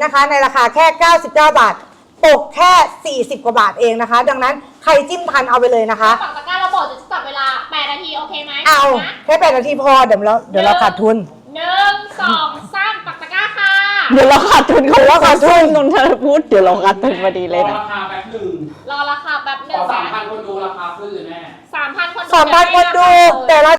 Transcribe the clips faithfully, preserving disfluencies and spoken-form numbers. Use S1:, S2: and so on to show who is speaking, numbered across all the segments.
S1: นะคะในราคาแค่เก้าสิบเก้าบาทตกแค่สี่สิบกว่าบาทเองนะคะดังนั้นใครจิ้มทันเอาไปเลยนะคะ
S2: ฝั่งตะกร้าเราบอกจะจับเวลาแปดนาทีโอเคไหม
S1: เอาแค่แปดนาทีพอเดี๋ยวเราเดี๋ยวเราขาดทุน
S2: หนึ่งสองสามปักตะกร้าค่ะ
S3: เดี๋ยวเราขาดทุนเขาว่าขาดทุนนนทพูดเดี๋ยวเราขาดทุนพอดีเลยนะ
S4: รอราคาแป๊บหนึ่ง
S2: รอราคาแป๊บหนึ่ง
S4: สามพันคนดูราคาขึ้นเลยแม่
S2: สามพันคนดู
S1: สามพันคนดูแต่ละ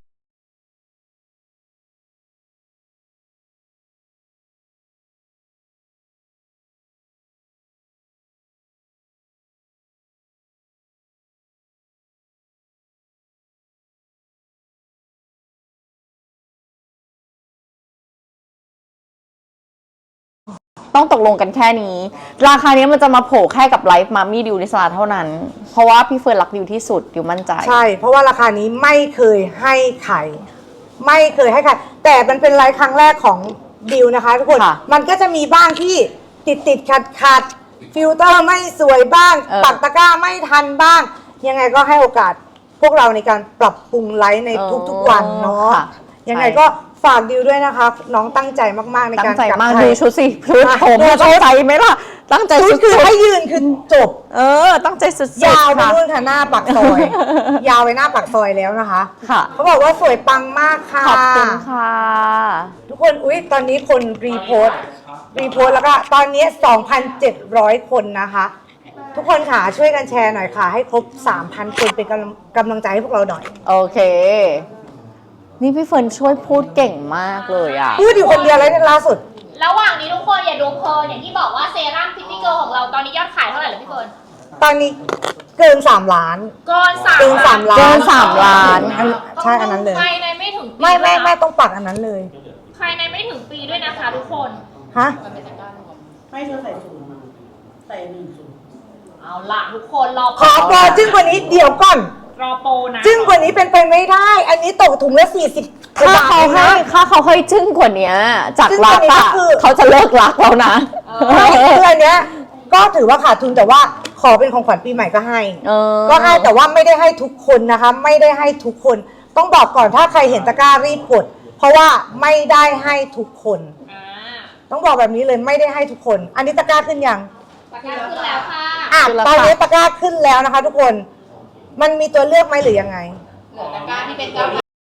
S3: ต้องตกลงกันแค่นี้ราคานี้มันจะมาโผล่แค่กับไลฟ์มามี่ดิวนิสลาเท่านั้นเพราะว่าพี่เฟิร์นรักดิวที่สุดดิวมั่นใจ
S1: ใช่เพราะว่าราคานี้ไม่เคยให้ใครไม่เคยให้ใครแต่มันเป็นไลฟ์ครั้งแรกของดิวนะคะทุกคนมันก็จะมีบ้างที่ติดติดขัดขัดฟิลเตอร์ไม่สวยบ้างปักตะกร้าไม่ทันบ้างยังไงก็ให้โอกาสพวกเราในการปรับปรุงไลฟ์ในทุกๆวันเนาะยังไงก็ฝากดิวด้วยนะคะน้องตั้งใจมากๆในการ
S3: ตั้งใจมากดูชุดสิชุดผมตั้งใจไหมล่ะตั้งใจสุด
S1: คือให้ยืนคือจบ
S3: เออตั้งใจสุด
S1: ยาวไปนู่นค่ะหน้าปากซอยยาวไปหน้าปากซอยแล้วนะคะ
S3: ค่ะ
S1: เขาบอกว่าสวยปังมากค่ะ
S3: ขอบคุณค่ะ
S1: ทุกคนอุ๊ยตอนนี้คนรีโพสต์รีโพสต์แล้วก็ตอนนี้ สองพันเจ็ดร้อย คนนะคะทุกคนค่ะช่วยกันแชร์หน่อยค่ะให้ครบ สามพัน คนเป็นกำลังกำลังใจให้พวกเราหน่อย
S3: โอเคนี่พี่เฟิร์นช่วยพูดเก่งมากเลยอ่ะ
S1: พูดอยู่คนเดียวเลยล่าสุด
S2: ระหว่างนี้ทุกคนอย่าดูเพลินอย่างที่บอกว่าเซรั่มพิตตี้เกิร์ลของเราตอนนี้ยอดขายเท่าไหร่ล่ะพี่เฟิร์น
S1: ตอนนี้เกินสามล้าน
S2: เกินสาม
S1: เกินสามล้าน
S3: เกินสามล้าน
S1: ใช่อันนั้นเลย
S2: ภายในไม่ถึงปี
S1: ไม่ไม่ไม่ต้องปักอันนั้นเลย
S2: ภายในไม่ถึงปีด้วยนะคะทุกคน
S1: ฮะ
S5: ไม่เธอใส่ศูนย์ใส่หนึ่งศูนย์
S2: เอาล่ะทุกคนรอ
S1: ขอโปรจึ้งกว่านี้เดี๋ยวก่อน
S2: รอโปรนะ
S1: จึ้งกว่านี้เป็นไปไม่ได้อันนี้ตกถุงละสี่สิบ
S3: ถ้าเขาให้ถ้าเขาให้จึ้งกว่านี้จากรักอะเขาจะเลิกรักแล้วนะ
S1: ไม่คืออันเนี้ยก็ถือว่าขาดทุนแต่ว่าขอเป็นของขวัญปีใหม่ก็ให้ก็ให้แต่ว่าไม่ได้ให้ทุกคนนะคะไม่ได้ให้ทุกคนต้องบอกก่อนถ้าใครเห็นตะกร้ารีบกดเพราะว่าไม่ได้ให้ทุกคนต้องบอกแบบนี้เลยไม่ได้ให้ทุกคนอันนี้ตะกร้าขึ้นยัง
S2: ตะกร้าขึ้นแล้วค่ะ
S1: อ่ะตอนนี้ตะกร้าขึ้นแล้วนะคะทุกคนมันมีตัวเลือกไหมหรือยังไง
S2: เหลือตะกร้าที่เป็นเก้า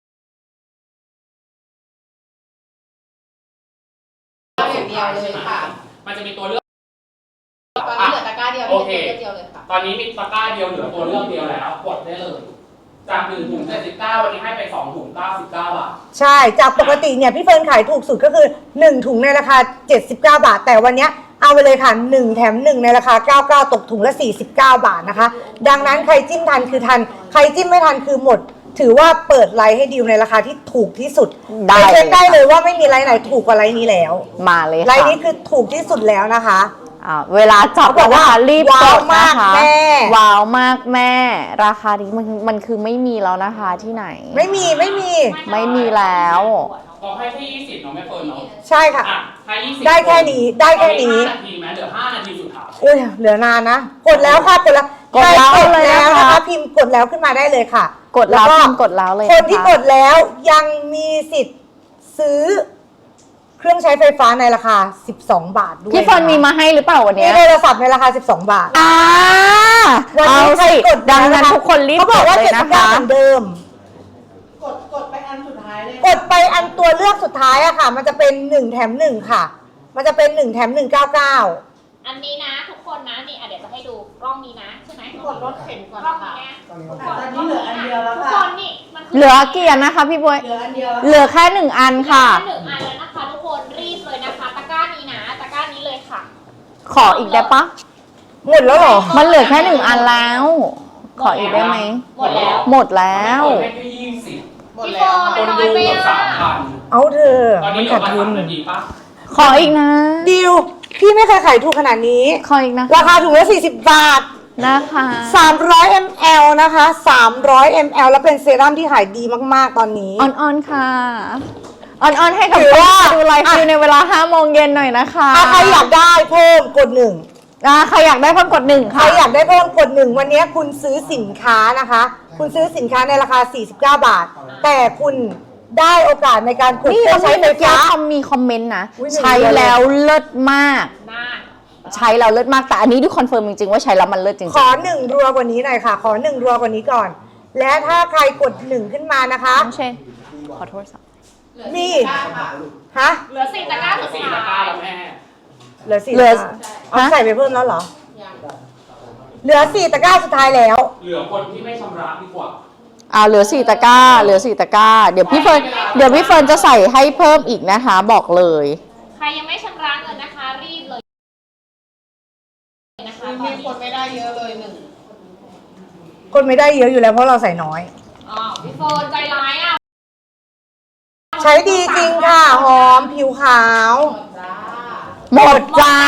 S2: อย่างเดียวเลยค่ะ
S4: มันจะมีตัวเลือก
S2: ตอนนี้เหลือตะกร้าเดียว
S4: โอเค
S2: เดียวเลยค่ะ
S4: ตอนนี้มีตะกร้าเดียวเหลือตัวเลือกเดียวแล้วกดได้เลยจากหนึ่งถุงเจ็ดสิบเก้าวันนี้ให้ไปสองถุงเก้าสิบเก้าบาท
S1: ใช่จากปกติเนี่ยพี่เฟิร์นขายถูกสุดก็คือหนึ่งถุงในราคาเจ็ดสิบเก้าบาทแต่วันนี้เอาไปเลยค่ะหนึ่งแถมหนึ่งในราคาเก้าสิบเก้าตกถุงละสี่สิบเก้าบาทนะคะดังนั้นใครจิ้มทันคือทันใครจิ้มไม่ทันคือหมดถือว่าเปิดไลฟ์ให้ดิวในราคาที่ถูกที่สุดได้เช็คได้เลยว่าไม่มีไลฟ์ไหนถูกกว่าไลฟ์นี้แล้ว
S3: มาเลยค่ะ
S1: ไลฟ์นี้คือถูกที่สุดแล้วนะคะ
S3: อ่าเวลาจับ
S1: บอกว่า
S3: รีบกดนะคะ
S1: แม่
S3: ว้าวมากแม่ราคานี้มันมันคือไม่มีแล้วนะคะที่ไหน
S1: ไม่มีไม่มี
S3: ไม่มีแล้ว
S4: เราให้แค่ยี่สิบเนาะแม่เฟิร์นเนาะ
S1: ใช่ค่ะ
S4: ให้ยี่สิบ
S1: ได้แค่นี้ได้แค่นี้
S4: นาทีไหมเหลือห้านาทีสุดท้าย
S1: อุ้ยเหลือนานนะกดแล้วค่ะกดแล้ว
S3: กดแล้ว
S1: เลยนะคะพิมพ์กดแล้วขึ้นมาได้เลยค่ะ
S3: กดแล้วพิมพ์กดแล้วเลย
S1: คนที่กดแล้วยังมีสิทธิ์ซื้อเครื่องใช้ไฟฟ้าในราคาสิบสองบาทด้วย
S3: พี่เฟิร์นมีมาให้หรือเปล่าวันนี้
S1: มีโทรศัพท์ในราคาสิบสองบาท
S3: อ่า
S1: วันนี้ใครกด
S3: ดังนั้นทุกคนรีบกดเลยนะคะ
S1: เหมือนเดิม
S5: กดกดไปอันสุดท้ายเลย
S1: กดไปอันตัวเลือกสุดท้ายอะค่ะมันจะเป็นหนึ่งแถมหนึ่งค่ะมันจะเป็นหนึ่งแถมหนึ่งเก้าเก้า
S2: อันนี้นะทุกคนนะนี่เดี๋ยวจะให้ดูกล้องนี้นะใช่ไหม
S5: กดรถเข็นก่อน
S2: ค่ะ
S5: ตอนนี้เหลืออันเดียวแล้วค่ะ
S2: ทุกคนนี่มัน
S3: เหลือกี่อันนะคะพี่บวย
S5: เหลืออันเดียว
S3: เหลือแค่หนึ่งอันค่ะ
S2: หนึ่งอันแล้วนะคะทุกคนรีบเลยนะคะตะกร้านี้นะตะกร้านี้เลยค่ะ
S3: ขออีกได้ปะ
S1: หมดแล้วเหรอ
S3: มันเหลือแค่หนึ่งอันแล้วขออีกได้ไหม
S2: หมดแล้ว
S3: หมดแล้ว
S4: ให้แค่ยี่สิบ
S2: หมดแล้ว
S4: คนดูเกือบสามพัน
S1: เอาเธอ
S4: ตอนนี้ขาดทุนดีปะ
S3: ขออีกนะ
S1: ดิวพี่ไม่เคยขายถูกขนาดนี้
S3: ขออีกนะ
S1: ราคาถุงละสี่สิบบาท
S3: นะคะ
S1: สามร้อยมิลลิลิตร นะคะสามร้อยมิลลิลิตร แล้วเป็นเซรั่มที่ขายดีมากๆตอนนี้
S3: อ่อนๆค่ะอ่อนๆให้กับว่าดูไลฟ์ในเวลาห้าโมงเย็นหน่อยนะคะ
S1: ใครอยากได้เพิ่มกดหนึ่ง
S3: ใครอยากได้เพิ่มกดหนึ่งค่ะ
S1: ใครอยากได้เพิ่มกดหนึ่งวันนี้คุณซื้อสินค้านะคะคุณซื้อสินค้าในราคาสี่สิบเก้าบาทแต่คุณได้โอกาสในการกด
S3: นี่
S1: เครื่
S3: เรา
S1: องใช้
S3: ใช้
S1: ไฟ
S3: ไฟฟ้า
S1: ฟ้า
S3: มีคอมเมนต์นะ
S1: อุ๊ยหนึ่ง
S3: ใช้แล้วเลิศมาก
S2: หน้า
S3: ใช้แล้วเลิศมากแต่อันนี้ดูคอนเฟิร์มจริงๆว่าใช้แล้วมันเลิศจริง
S1: ขอหนึ่งรัวกว่านี้หน่อยค่ะ ขอหนึ่งรัวกว่านี้ก่อน และถ้าใครกดหนึ่งขึ้นมานะคะ
S3: น้องเชนขอโทษสัก
S1: มีฮะ
S2: เหลือสี่ตะกร้าสุด
S4: สี่
S2: ท้า
S4: ตะกร้าย แล้วแม่
S1: เหลือสี่
S3: เหลือ
S1: ตะกร้าเอา
S3: ฮะ
S1: ใส่ไปเพิ่มแล้วเหรอ เหลือสี่ตะกร้าสุดท้ายแล้ว
S4: เหลือคนที่ไม่ชำระดีกว่า
S3: อ่าเหลือสี่ตะกร้าเหลือสี่ตะกร้าเดี๋ยวพี่เฟิร์นเดี๋ยวพี่เฟิร์นจะใส่ให้เพิ่มอีกนะคะ บอกเลย
S2: ใครยังไม่ชำระเงินนะคะ รีบเลยนะคะตอน
S5: มี
S2: นี้
S5: คนไม่ได้เยอะเลยหนึ่ง
S1: คนไม่ได้เยอะอยู่แล้วเพราะเราใส่น้อย
S2: อ๋อพี่โฟนใจร้ายอ่ะ
S1: ใช้ดีจริงค่ะ หอมผิวขาว
S3: หมดจ้า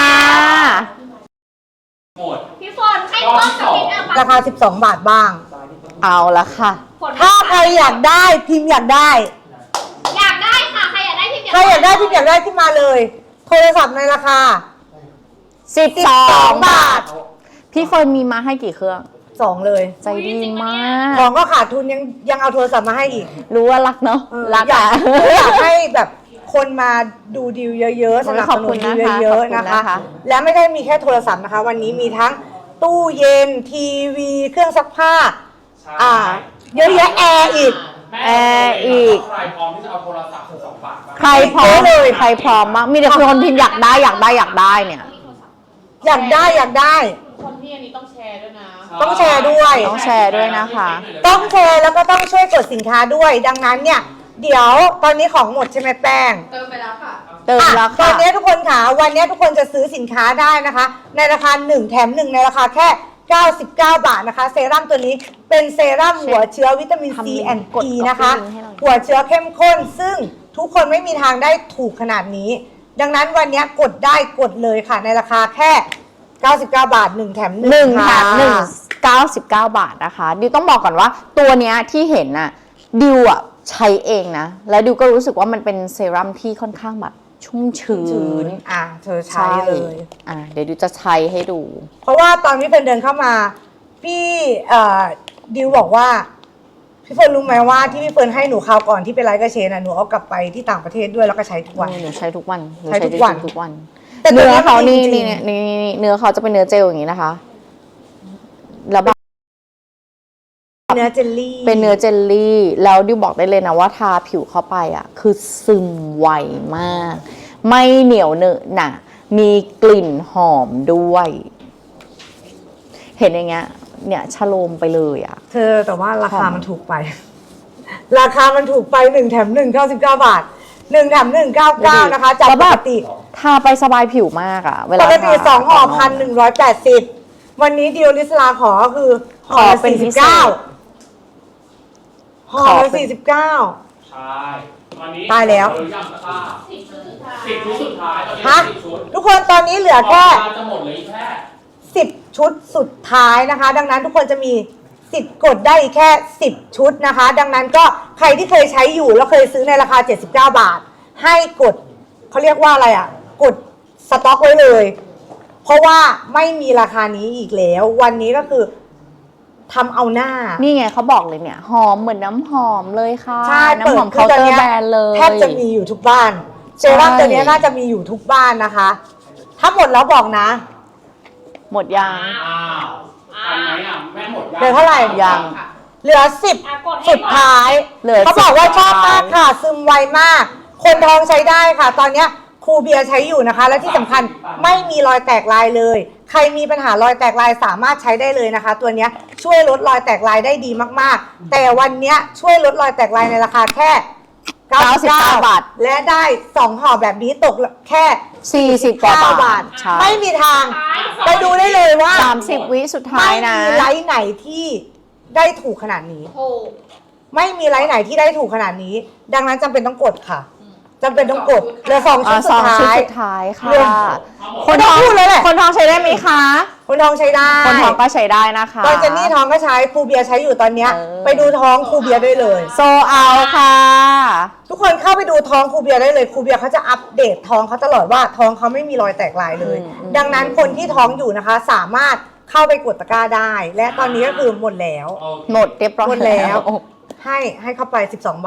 S4: หมด
S2: พี่โฟนให้เพิ่มสักนิดอ่ะ
S1: ราคาสิบสองบาทบ้าง
S3: เอาละค่ะ
S2: ผล
S1: ถ้าใครอยากได้พิมพ์อยากได้
S2: อยากได้ค่ะ ใครอยากได้พี่
S1: ใครอยากได้พิมพ์อยากได้ขึ้นมาเลย โทรศัพท์ในราคา
S3: สิบสอง
S1: บา
S3: บา
S1: ท
S3: ท พี่เฟิร์นมีมาให้กี่เครื่อง
S1: สองเลย
S3: ใจดีมาก
S1: ของก็ขาดทุนยังยังเอาโทรศัพท์มาให้อีก
S3: รู้ว่ารักเนาะ
S1: เออ
S3: รัก
S1: อยา
S3: อ่ะ
S1: กอยากให้แบบคนมาดูดีลเยอะๆสนับสนุนดีลเยอะๆนะคะ และไม่ได้มีแค่โทรศัพท์นะคะ วันนี้มีทั้งตู้เย็นทีวีเครื่องซักผ้า อ่า เยอะแยะแอร์อีก
S3: แอร์อีก
S4: ใครพร้อมที่จะเอาโทรศัพท์สิบสองบาทบ้าง
S3: ใครพร้อมเลยใครพร้อมมากมีแต่คนพิมพ์อยากได้อยากได้อยากได้เนี่ย
S1: อยากได้อยากได้
S5: คนที่อันนี้ต้องแชร์ด้วยนะ
S1: ต้องแชร์ด้วย
S3: ต้องแชร์ด้วยนะคะ
S1: ต้องแชร์แล้วก็ต้องช่วยกดสินค้าด้วย ดังนั้นเนี่ย เดี๋ยวตอนนี้ของหมดใช่ไหมแป้ง
S5: เติมไปแล้วค่ะ
S3: เติม
S1: อ่ะ
S3: แล้ว
S1: ต
S3: ค่ะ
S1: อนนี้ทุกคนค่ะวันนี้ทุกคนจะซื้อสินค้าได้นะคะ ในราคาหนึ่งแถมหนึ่งในราคาแค่เก้าสิบเก้าบาทนะคะ เซรั่มตัวนี้เป็นเซรั่มหัวเชื้อวิตามิน
S3: ทำ
S1: ซี
S3: ลิงก์
S1: แอน
S3: กด
S1: อี
S3: copy
S1: นะคะ
S3: ลิงก์ให้หน่อย
S1: หัวเชื้อเข้มข้น ซึ่งทุกคนไม่มีทางได้ถูกขนาดนี้ ดังนั้นวันนี้กดได้กดเลยค่ะ ในราคาแค่เก้าสิบเก้าบาทหนึ่งแถมหนึ่ง
S3: หนึ่งแถ
S1: ค่ะ
S3: มหนึ่งเก้าสิบเก้าบาทนะคะดิวต้องบอกก่อนว่าตัวเนี้ยที่เห็นน่ะดิวอ่ะใช้เองนะ แล้วดิวก็รู้สึกว่ามันเป็นเซรั่มที่ค่อนข้างแบบชุ่มชื้
S1: ชื้
S3: น
S1: นอ่ะเธอใช้เลย
S3: อ่ะเดี๋ยวดิวจะใช้ให้ดู
S1: เพราะว่าตอนพี่เฟิร์นเดินเข้ามา พี่เอ่อดิวบอกว่า พี่เฟิร์นรู้ไหมว่าที่พี่เฟิร์นให้หนูคราวก่อนที่ไปไลฟ์กับเชนอ่ะหนูเอากลับไปที่ต่างประเทศด้วยแล้วก็ใช้ทุกวัน
S3: หนูใช้ทุกวันหนู
S1: ใช้ทุกวัน
S3: ทุกวัน
S1: แต่ตัว
S3: เนื้อ
S1: นี้
S3: เขา
S1: มัน
S3: นี่
S1: จริ
S3: นี่
S1: ง
S3: นี่นี่นี่เนื้อเขาจะเป็นเนื้อเจลอย่างนี้นะคะ แล้วแบบ
S1: เนื้อเจลลี่
S3: เป็นเนื้อเจลลี่ แล้วดิวบอกได้เลยนะว่าทาผิวเข้าไปอ่ะ คือซึมไวมาก ไม่เหนียวเหนอะหนะมีกลิ่นหอมด้วย เห็นอย่างเงี้ย เนี่ยชโลมไปเลยอ่ะ
S1: เธอแต่ว่าราคามันถูกไป ราคามันถูกไปหนึ่งแถมหนึ่งเก้าสิบเก้าบาทหนึ่งแถมหนึ่งเก้าเก้านะคะจาก
S3: แล้ว
S1: ป
S3: แบบ
S1: กติ
S3: ทาไปสบายผิวมากอ่ะ เวลา
S1: ปกติ
S3: ทา
S1: สองห่อพันหนึ่งร้อยแปดสิบวันนี้ดิวลิสลาขอก็คือห่อ
S3: ขอ
S1: ละ
S3: เป็น
S1: สี่
S3: พิ
S1: สิบ
S3: เศ
S1: เก้า
S3: ษ
S1: ห่อ
S3: ขอ
S1: ละ
S3: เป็น
S1: สี่สิบเก้า
S4: ใช่ตอนนี้
S1: ตายแล้ว
S4: เหรือยังตะกร้า
S2: สิบชุดสุดท้าย
S4: สิบชุดสุดท้ายตอนนี้
S1: ฮะ
S4: สิบชุด
S1: ทุกคนตอนนี้เหลือแค่
S4: ออกมาจะหมดเหลยแค่
S1: สิบชุดสุดท้ายนะคะ ดังนั้นทุกคนจะมีสิทธิ์กดได้อีกแค่สิบชุดนะคะ ดังนั้นก็ใครที่เคยใช้อยู่แล้วเคยซื้อในราคาเจ็ดสิบเก้าบาท ให้กดเขาเรียกว่าอะไรอ่ะ กดสต็อกไว้เลย เพราะว่าไม่มีราคานี้อีกแล้ว วันนี้ก็คือทำเอาหน้า
S3: นี่ไงเขาบอกเลยเนี่ย หอมเหมือนน้ำหอมเลยค่ะ
S1: ใช่
S3: น้ำหอมเคาน์เตอร์แบรนด์เลย
S1: แทบจะมีอยู่ทุกบ้านเซรั่มตัวนี้น่าจะมีอยู่ทุกบ้านนะคะ ถ้าหมดแล้วบอกนะ
S3: หมดยัง
S4: อ้าวทันไหมอ่ะแม่หมด
S1: เหลือเท่าไหร่
S3: ยัง
S1: เหลือสิบ
S2: อ่ะกดให้
S1: สุดท้าย
S3: เหลือ
S1: เขาบอกว่า
S3: สิบ
S1: ชอบ
S3: สุดท้าย
S1: มากค่ะ ซึมไวมาก คนท้องใช้ได้ค่ะ ตอนเนี้ยครูเบียร์ใช้อยู่นะคะ และที่สำคัญไม่มีรอยแตกลายเลย ใครมีปัญหารอยแตกลายสามารถใช้ได้เลยนะคะ ตัวเนี้ยช่วยลดรอยแตกลายได้ดีมากๆ แต่วันเนี้ยช่วยลดรอยแตกลายในราคาแค่เก้าสิบเก้า
S3: บาท
S1: และได้สองห่อแบบนี้ตกแค่
S3: สี่สิบกว่า
S1: เก้า
S3: บา
S1: บา
S3: ท
S1: ท
S3: ใช่
S1: ไม่มีทางไปดูได้เลยว่า
S3: สามสิบวิสุดท้า
S1: ไม่
S3: ยนะ
S1: มีไลฟ์ไหนที่ได้ถูกขนาดนี้
S2: ถูก
S1: ไม่มีไลฟ์ไหนที่ได้ถูกขนาดนี้ ดังนั้นจำเป็นต้องกดค่ะจำเป็นต้องกดเหลือสองชุ
S3: อ่า
S1: ดสุ
S3: สอ
S1: ด
S3: งชุด
S1: ท้าย
S3: สุดท้ายค่ะ
S1: เรื่อง
S3: คนท้อง
S1: ไม่ต้องพูดเลยแหละ
S3: คนท้องใช้ได้ไหมคะ
S1: คนท้องใช้ได้
S3: คนท้องก็ใช้ได้นะคะ
S1: ตอนเจนนี่ท้องก็ใช้ครูเบียร์ใช้อยู่ตอนเนี้ย
S3: เออ
S1: ไปดูท้องครูเบียร์ได้เลย
S3: โซเอาค่ะ
S1: ทุกคนเข้าไปดูท้องครูเบียร์ได้เลยครูเบียร์เขาจะอัปเดตท้องเขาตลอดว่าท้องเขาไม่มีรอยแตกลายเลย
S3: อืมอืม
S1: ดังนั้นคนที่ท้องอยู่นะคะ สามารถเข้าไปกดตะกร้าได้ และตอนนี้ก็คือหมดแล้ว
S4: โอเค
S3: หมดเรียบร้อย
S1: หมดแล้ว ให้ให้เข้าไปสิบสองบาท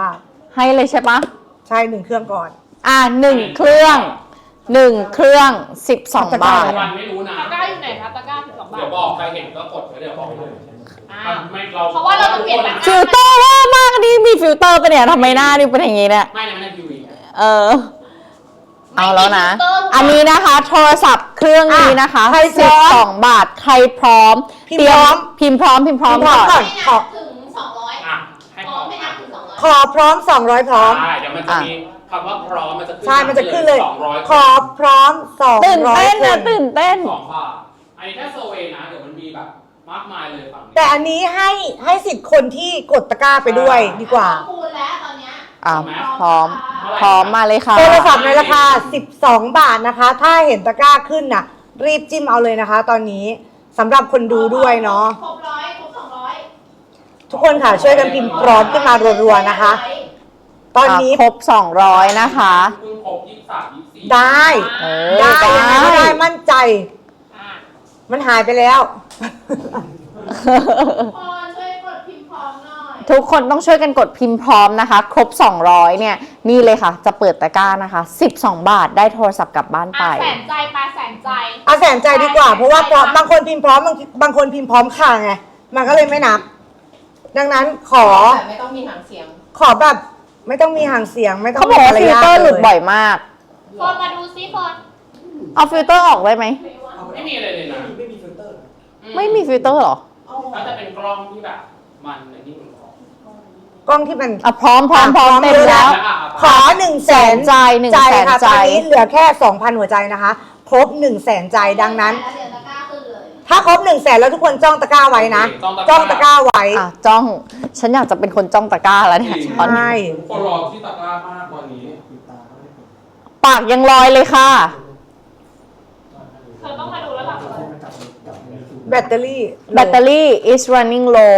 S3: ให้เลยใช่ปะ
S1: ใช่หนึ่งเครื่องก่อน
S3: อ่ะหนึ่งเครื่องหนึ่งเครื่องสิบสองบาท
S4: วันไม่รู้นะ
S2: ตะกร้าอยู่ไหนคะตะกร้าสิบสองบาท
S4: เดี๋ยวบอกใครเห็นก็กดไว้เดี๋ยวบอกเลย
S2: อ่า
S4: ไม่เรา
S2: เพราะว่าเราจะเปลี่ยนตะกร้า
S3: ฟิลเตอร์ว่ามากนี่มีฟิลเตอร์ปะเนี่ยทำไมหน้านี่เป็นอย่างงี้เนี่ย
S4: ไม่นะไม่ได้ทีวี
S3: เออ เอาแล้วนะ
S2: ไม่มีฟิลเตอร์
S3: อันนี้นะคะ โทรศัพท์เครื่องนี้นะคะ
S1: ใครพร้
S3: สิ
S1: อบ ม
S3: สองบาทใครพร้อม
S1: พิมพ์พร้อม
S3: พิมพ์พร้อมพิมพ์พร้อม
S1: พิมพ์พร้อม
S3: ก่
S1: ก่
S3: อ
S1: อน น
S2: ให้นับถึงสองร้อย
S4: อ่ะให้
S2: พ
S4: พ
S2: ร้
S4: ร้
S2: อ
S4: อ
S2: ม
S4: ม
S2: ให้นับถึงสองร้อย
S1: ขอพร้อมสองร้อยพร้อม
S4: ใช่เดี๋ยวมันจะมีคำว่าพร้อมมันจะขึ้น
S1: ใช่มันจะขึ้นเลย
S4: สองร้อย
S1: ขอพร้อมสอง
S3: ตื่น
S1: ร้อย
S3: เต้น
S1: ค
S3: นะ
S1: น
S3: ตื่นเต้น
S4: สองบาทอันนี้แค่เซอร์เวย์นะเดี๋ยวมันมีแบบมากมายเลยฝั่งนี้
S1: แต่อันนี้ให้ให้สิทธิ์คนที่กดตะกร้าไปด้วยดีกว่า
S2: คูณแล้วตอนเนี้ย
S3: อ่ะพร้อม พร้อมมาเลยค่ะ
S1: โทรศัพท์ในราคา สิบสอง บาทนะคะ ถ้าเห็นตะกร้าขึ้นน่ะ รีบจิ้มเอาเลยนะคะ ตอนนี้สำหรับคนดูด้วยเนาะ
S2: ครบร้อยครบสองร้อย
S1: ทุกคนค่ะช่วยกันพิมพ์พร้อมขึ้นมารัวๆนะคะ ตอนนี้
S3: อ่ะครบสองร้อยนะคะ
S4: เพิ่งครบยี่สิบสามยี่สิบสี่
S1: ได้
S3: เออ
S1: ได้
S3: ได้
S1: ยังไงก็ได้มั่นใจ
S2: อ่ะ
S1: มันหายไปแล้ว
S2: พอช่วยกดพิมพ์พร้อมหน่อย
S3: ทุกคนต้องช่วยกันกดพิมพ์พร้อมนะคะ ครบสองร้อยเนี่ย นี่เลยค่ะ จะเปิดตะกร้านะคะสิบสองบาทได้โทรศัพท์กลับบ้านไป
S2: อ่ะแสนใจปลาแสนใจ
S1: เอาแสนใจดีกว่า เพราะว่าพร้อมบางคนพิมพ์พร้อมบางบางคนพิมพ์พร้อมค่ะไงมันก็เลยไม่นับ ดังนั้นขอ
S5: แต่ไม่ต้องมีหางเสียง
S1: ขอแบบไม่ต้องมีห่างเสียงไม่ต้อง
S3: เขาบอกว่า
S1: มี
S3: ฟิล
S1: มาร
S3: เตอร์
S1: ยาท
S3: หลุดบ่อยมาก
S2: ฟอนมาดูซิฟอน
S3: เอาฟิลเตอร์ออกได้ไหม
S4: ไม่มีอะไรเลยนะ
S6: ไม่มีฟิลเตอร์
S3: ไม่มีฟิลเตอร์เหรอ
S4: ถ้าจะเป็นกล้องที่แบบมันในนี่มันพร้อม
S1: กล้องที่มัน
S3: อ่ะพร้อมพร้อมพร้อม
S1: พร้อม
S3: เต็มแล้ว
S4: อ่ะ
S1: ขอหนึ่งแสน
S3: ใจหนึ่ง
S1: ใจ
S3: แสน
S1: ค่ะ
S3: ใจ
S1: ตอนนี้เหลือแค่สองพันหัวใจนะคะ ครบหนึ่งแสนใจดังนั้น
S2: แล้วเดี๋ยวตะกร้าขึ้นเลย
S1: ถ้าครบหนึ่งแสนแล้วทุกคนจ้องตะกร้าไว้นะ จ้องตะกร้าไว้
S3: อ่ะจ้อง ฉันอยากจะเป็นคนจ้องตะกร้าแล้วเนี่ยตอนนี้
S1: ใช่
S4: คนรอที่ตะกร้ามากกว่านี้
S3: ปากยังลอยเลยค่ะ
S2: เธอต้องมาดูแล้วล่ะ
S1: แบตเตอรี่
S3: แบตเตอรี่ is running low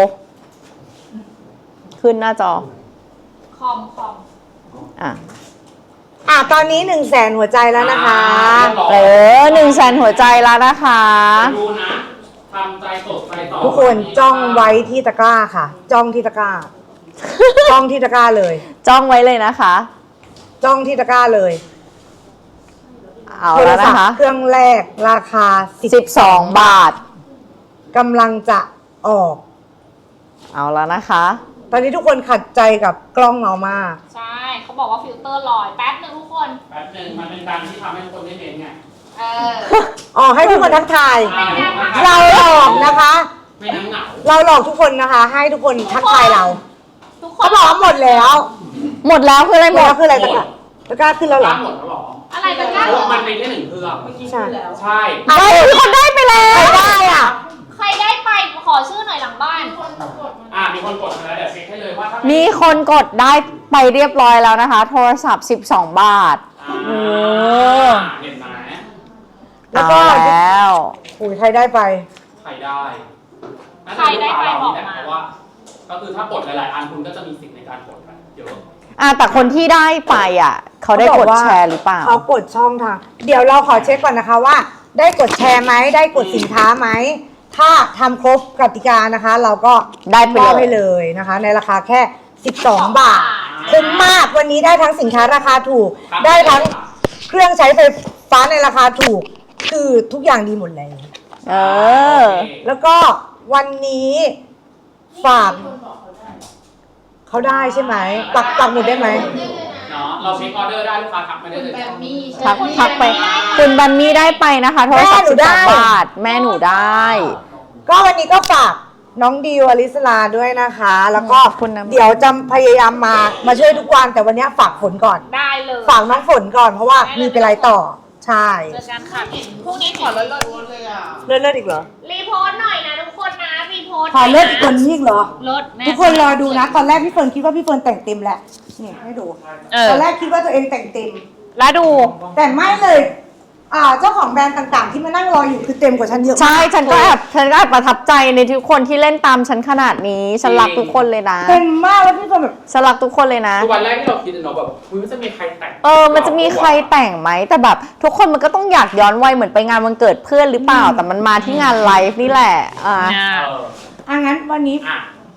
S3: ขึ้นหน้าจอ
S2: คอมคอม
S3: อ่ะ
S1: อ่ะตอนนี้หนึ่งแสนหัวใจแล้วนะคะ
S3: เออหนึ่งแสนหัวใจแล้วนะคะ
S4: ดูนะทำใจสดใจต่อ
S1: ทุกคนจ้องไว้ที่ตะกร้าค่ะ จ้องที่ตะกร้า จ้องที่ตะกร้าเลย
S3: จ้องไว้เลยนะคะ
S1: จ้องที่ตะกร้าเลย
S3: เอา
S1: โทร
S3: แล้ว
S1: ศั
S3: นะ
S1: พ
S3: คะ
S1: ท์เครื่องแรกราคา
S3: สิบสองบาท
S1: กำลังจะออก
S3: เอาแล้วนะคะ
S1: ตอนนี้ทุกคนขัดใจกับกล้องเงามาก
S2: ใช่เขาบอกว่าฟิลเตอร์ลอยแป๊บนึงทุกคน
S4: แป๊บหนึงมันเป็นการที่ทำให้ทุกคนได้เห็นไง
S2: เออ
S1: อ๋อให้ทุกคนทักทาย
S2: ไม่ได้ค่ะ
S1: เราหลอกนะคะ
S4: ไม่นั่งเหงา
S1: เราหลอกทุกคนนะคะ ให้ทุกคนทักทายเรา
S2: ทุกค
S1: เขา
S2: น
S1: บอกว่าหมดแล้ว
S3: หมดแล้วคืออะไร
S1: ห
S3: ห
S1: ม
S3: ม
S1: ด
S3: ด
S1: แล้วคืออะไรตะกร้าตะกร้าขึ้นแล้วเหรอ
S4: หมดแล้วเหรอ
S2: อะไรตะกร้า
S4: เพราะมันเป็นแค่หนึ่งเครื่อง
S5: เมื่อกี้พูดแล้ว
S4: ใช่
S3: ได้มีคนได้ไปแล้ว
S1: ใครได้อ่ะ
S2: ใครได้ไปขอชื่อหน่อยหลังบ้าน
S4: อ่ามีคนกดมาแล้วเดี๋ยวเช็คให้เลยว่าถ้า
S3: มีคนกดได้ไปเรียบร้อยแล้วนะคะ โทรศัพท์สิบสองบาท
S4: อ่า
S3: โอ้
S4: เห็นไหม
S1: แล้วก็
S3: เอาแล้ว
S1: อุ้ยใครได้ไป
S4: ใครได้น่า
S2: ใคร
S4: จะ
S2: ได้ไป
S4: ลูกค้าเรา
S2: บอก
S4: นี่แหละ
S2: มา
S4: เพราะว่า ก็คือถ้ากดหลายๆอันคุณก็จะมีสิทธิ์ในการกดกันเยอะ
S3: อ่ะแต่คนที่ได้ไปอ่ะ เขาได้กดแชร์หรือเปล่า
S1: เขากดช่องทาง เดี๋ยวเราขอเช็คก่อนนะคะว่า ได้กดแชร์ไหมได้กดสินค้าไหม ถ้าทำครบกติกานะคะ เราก็
S3: ได้ไป
S1: มอบ
S3: เล
S1: ให้
S3: ย
S1: เลยนะคะ ในราคาแค่ สิบสอง บาท คุ้มมากวันนี้ได้ทั้งสินค้าราคาถูก ได้ทั้งเครื่องใช้ไฟฟ้าในราคาถูก คือทุกอย่างดีหมดเลย
S3: เออ
S1: แล้วก็วันนี้ฝากเขาได้ใช่ไหมปักปักหมุดได้ไหม
S4: เนาะเราเช็คออเดอร์ได้ลูกค้าทักมาได้เลย
S5: แบบมีใช่
S3: ทัก
S5: ไหม
S3: ทักไป คุณบันนี่ได้ไปนะคะ โทรศัพท์สิบสองบาท แม่หนูได้
S1: ก็วันนี้ก็ฝากน้องดิวอลิสลาด้วยนะคะ แล้วก็
S3: ขอบคุณนะ
S1: เดี๋ยวจะพยายามมามาช่วยทุกวันแต่วันนี้ฝากฝนก่อน
S2: ได้เลย
S1: ฝากน้องฝนก่อนเพราะว่ามีไปไรต่อ ใช่
S2: เจอกันค่ะพรุ่งนี้ขอเลิศ
S5: เลยอ่ะ
S1: เลิศเลิศอีกเหรอ
S2: รีโพสต์หน่อยนะทุกคนนะรีโพสต์
S1: ขอเลิศอีกคนนี้อีกเหรอ
S2: เลิศแน่
S1: ทุกคนรอดูนะ ตอนแรกพี่เฟิร์นคิดว่าพี่เฟิร์นแต่งเต็มแหละนี่ให้ดู
S3: เออ
S1: ตอนแรกคิดว่าตัวเองแต่งเต็ม
S3: แล้วดู
S1: แต่ไม่เลยอ่าเจ้าของแบรนด์ต่างๆ ที่มานั่งรออยู่คือเต็มกว่าฉันเยอะมาก
S3: ใช่ ฉันก็แอบฉันก็แอบประทับใจในทุกคนที่เล่นตามฉันขนาดนี้ ฉันรักทุกคนเลยนะ
S1: เต็มมากแล้วพี่เฟิร์นแบบ
S3: ฉันรักทุกคนเลยนะ
S4: คือวันแรกที่เราคิดเนาะแบบคุยมันจะมีใครแต่ง
S3: เออ มันจะมีใครแต่งไหม แต่แบบทุกคนมันก็ต้องอยากย้อนวัยเหมือนไปงานวันเกิดเพื่อนหรือเปล่า แต่มันมาที่งานไลฟ์นี่แหละ อ่า
S4: เออ
S1: อ่ะงั้นวันนี้
S4: อ่ะ
S1: ข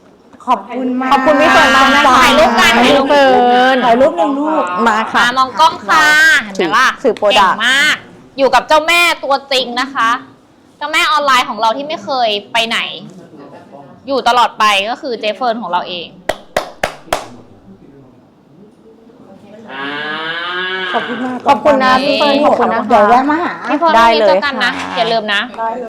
S1: ขอบคุณมาก
S3: ขอบคุณพี่เฟิร์นมากนะคะ
S2: ถ่ายรูปกัน
S3: พี่เฟิร์น
S1: ถ่ายรูปหนึ่งรูป
S3: มาค่ะ
S2: มามองกล้องค่ะเห็นไหมล่ะ
S3: สื่อโปรดั
S2: เก่
S3: ก
S2: ง
S3: ต์
S2: มาก อยู่กับเจ้าแม่ตัวจริงนะคะ เจ้าแม่ออนไลน์ของเราที่ไม่เคยไปไหน อยู่ตลอดไปก็คือเจเฟิร์นของเราเอง
S4: อ่า
S1: ขอบคุณมาก
S3: ขอบคุณนะพี่เฟิร์นขอบคุณนะ
S1: เดี๋ยวแวะมาหา
S2: พี่เฟิร์น
S3: ได้
S2: วันนี้
S3: เลย
S2: เจอกันนะ
S3: ค่ะ
S2: อย่าลืมนะ
S1: ได้เลย